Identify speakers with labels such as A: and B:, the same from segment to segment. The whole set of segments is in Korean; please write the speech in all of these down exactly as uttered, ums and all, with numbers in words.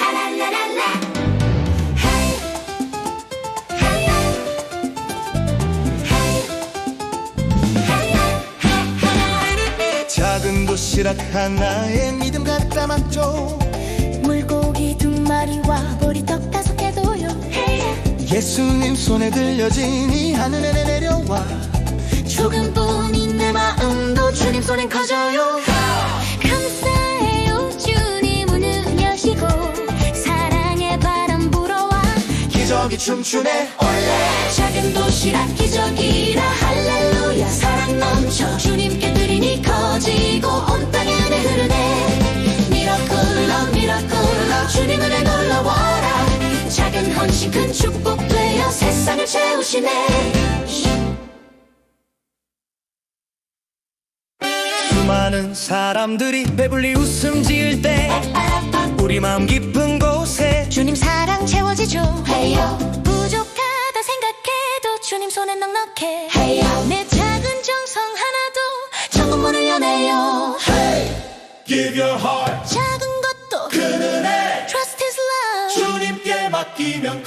A: 라라라라라.
B: 작은 도시락 하나에 믿음 갖다 맞죠.
A: 물고기 두 마리와 보리떡 다섯 개도요.
B: 예수님 손에 들려지니 하늘에 내려와.
A: 조금뿐인 내 마음도 주님 손엔 커져요. 감사해요 주님 문을 여시고 사랑의 바람 불어와
B: 기적이 춤추네
A: 올레. 작은 도시락 기적이라 할렐루야. 사랑 넘쳐 주님께 드리니 커지고 온 땅에 은혜 흐르네. 미라클러 미라클러 주님 은혜 놀러와라. 작은 헌신 큰 축복 되어 세상을 채우시네.
B: 수많은 사람들이 배불리 웃음 지을 때 우리 마음 깊은 곳에
A: 주님 사랑 채워지죠. 헤이요. 부족하다 생각해도 주님 손에 넉넉해. 헤이요. 내 작은 정성 하나도 천국 문을 여네요.
B: Hey, give your heart.
A: 작은 것도
B: 큰 은혜
A: Trust His love.
B: 주님께 맡기면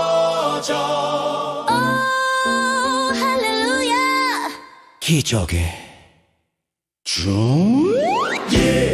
B: 커져.
A: 오 할렐루야.
B: 기적의 주. Yeah.